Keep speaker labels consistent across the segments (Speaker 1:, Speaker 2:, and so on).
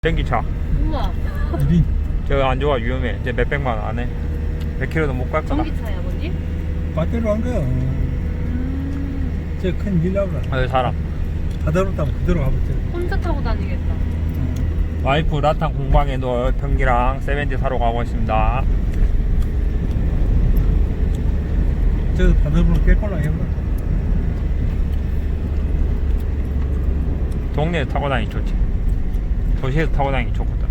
Speaker 1: 전기차.
Speaker 2: 우와.
Speaker 1: 저거 안 좋아, 위험해. 이제 몇백만 원 안 해. 몇 킬로도 못 갈 거다.
Speaker 2: 전기차야, 아버지?
Speaker 3: 배터리로 한 거야. 저 큰 밀라브라.
Speaker 1: 아, 사람.
Speaker 3: 바다로 타면 그대로 가봤지.
Speaker 2: 혼자 타고 다니겠다.
Speaker 1: 와이프 라탄 공방에 놓을 변기랑 세벤티 사러 가고 있습니다.
Speaker 3: 저 바다로 깰걸라 해봐.
Speaker 1: 동네에 타고 다니기 좋지. 도시에서 타고 다니기 좋거든.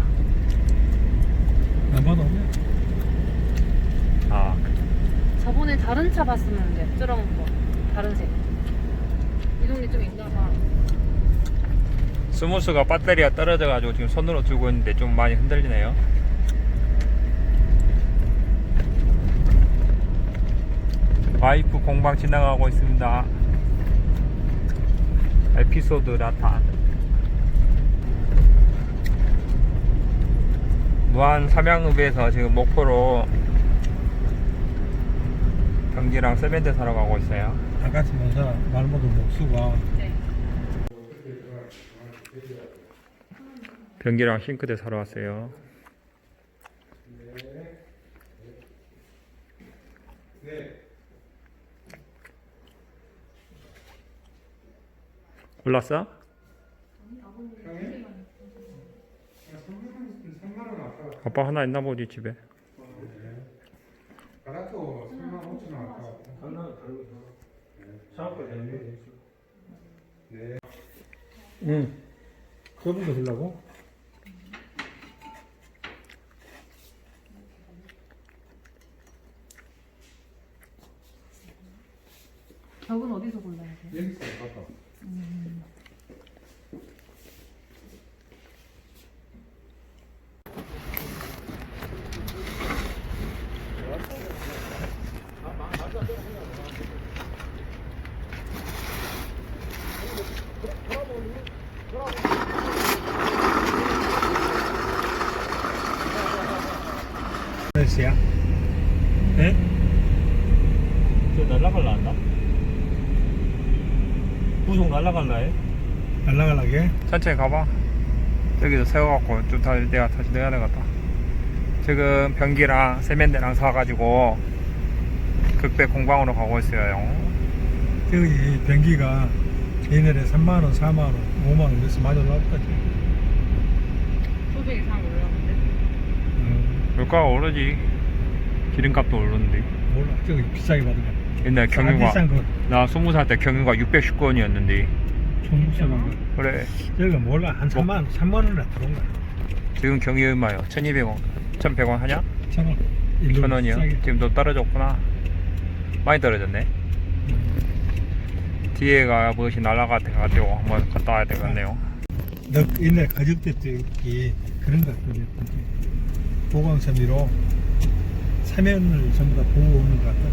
Speaker 3: 안 봐도 없네.
Speaker 1: 아,
Speaker 2: 저번에 다른 차 봤으면 돼. 저런 거. 다른 색. 이 동네 좀 있나 봐.
Speaker 1: 스무스가 배터리가 떨어져가지고 지금 손으로 들고 있는데 좀 많이 흔들리네요. 와이프 공방 지나가고 있습니다. 에피소드 라탄. 무한 삼양읍에서 지금 목포로 변기랑 세면대 사러 가고 있어요.
Speaker 3: 다같이 모사 말모도 목수가
Speaker 2: 네.
Speaker 1: 변기랑 싱크대 사러 왔어요. 골랐어? 아빠 하나 있나 보지 집에.
Speaker 3: 가라토 3만 5천 원 아까. 네. 응. 좁은 거 주려고?
Speaker 2: 벽은 어디서 골라야 돼?
Speaker 3: 여기 있어요, 아까. 몇시야? 네?
Speaker 1: 저 날라갈라 한다? 부속 날라갈라 해?
Speaker 3: 날라가려게?
Speaker 1: 천천히 가봐. 저기서 세워갖고 좀 내가 다시 내야 되겠다. 지금 변기랑 세면대랑 사가지고 극배 공방으로 가고 있어요.
Speaker 3: 저기 변기가 옛날에 3만원, 4만원, 5만원 그래서 많이 올라올 거지.
Speaker 2: 소비 이상 올라오는데.
Speaker 1: 물가가 오르지. 기름값도 오르는데.
Speaker 3: 몰라, 저기 비싸게 받은 거.
Speaker 1: 옛날 경유가
Speaker 3: 비싼 거.
Speaker 1: 나 20살 때 경유가 610원이었는데
Speaker 3: 중국산한 거.
Speaker 1: 그래
Speaker 3: 저기가 몰라, 한 3만원이나 들어온 거야.
Speaker 1: 지금 경유 얼마요? 1200원 1100원 하냐?
Speaker 3: 1,000원.
Speaker 1: 1000원이요? 지금 너 떨어졌구나. 많이 떨어졌네. 뒤에가 무엇이 날아가가지고 한번 갔다 와야 되겠네요.
Speaker 3: 너 옛날 가족들 때기 그런 거 같거든. 보강섬유로 사면을 전부 다 보고 오는 것 같다.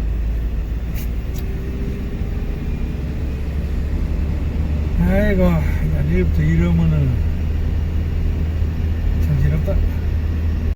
Speaker 3: 아이고, 내일부터 이러면은 정신없다.